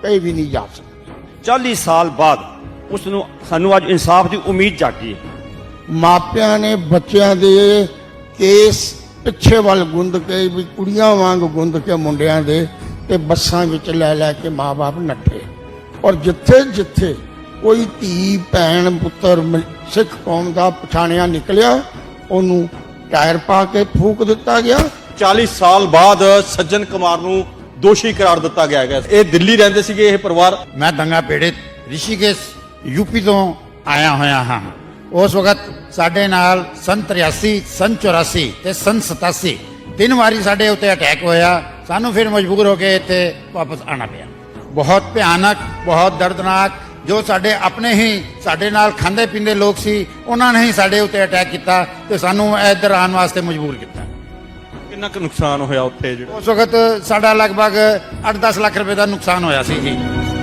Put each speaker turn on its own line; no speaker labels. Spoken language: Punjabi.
कहीं भी नहीं जा सकते।
40 ਸਾਲ ਬਾਅਦ ਉਸ ਨੂੰ ਸਾਨੂੰ ਅੱਜ ਇਨਸਾਫ ਦੀ ਉਮੀਦ ਜਾਗੀ ਹੈ।
ਮਾਪਿਆਂ ਨੇ ਬੱਚਿਆਂ ਦੇ ਕੇਸ ਪਿੱਛੇ ਵੱਲ ਗੁੰਦ ਕੇ ਵੀ ਕੁੜੀਆਂ ਵਾਂਗ ਗੁੰਦ ਕੇ ਮੁੰਡਿਆਂ ਦੇ ਤੇ ਬੱਸਾਂ ਵਿੱਚ ਲੈ ਲੈ ਕੇ ਮਾਂ-ਬਾਪ ਨੱਠੇ। ਔਰ ਜਿੱਥੇ ਜਿੱਥੇ ਕੋਈ ਧੀ ਭੈਣ ਪੁੱਤਰ ਸਿੱਖ ਕੌਮ ਦਾ ਪਛਾਣਿਆ ਨਿਕਲਿਆ ਉਹਨੂੰ ਟਾਇਰ ਪਾ ਕੇ ਫੂਕ ਦਿੱਤਾ ਗਿਆ।
40 ਸਾਲ ਬਾਅਦ ਸੱਜਣ ਕੁਮਾਰ ਨੂੰ ਦੋਸ਼ੀ ਕਰਾਰ ਦਿੱਤਾ ਗਿਆ ਹੈ। ਇਹ ਦਿੱਲੀ ਰਹਿੰਦੇ ਸੀਗੇ ਇਹ ਪਰਿਵਾਰ।
मैं दंगा पीड़ित ऋषिकेश यूपी तो आया होया हाँ। उस वक्त साडे नाल सन 83 सन 84 ते सन 87 तीन वारी साडे उत्ते अटैक होया। सानू फिर मजबूर होके इत्थे वापस आना पिया। बहुत भयानक बहुत दर्दनाक जो साडे अपने ही साडे नाल खांदे पींदे लोग सी उन्हां ने ही साडे उत्ते अटैक किया ते सानू इधर आने वास्ते मजबूर किया।
ਕਿੰਨਾ ਕੁ ਨੁਕਸਾਨ ਹੋਇਆ ਉੱਥੇ ਜਿਹੜਾ
उस वक्त साडा लगभग 8-10 लाख रुपए का नुकसान होया सी जी।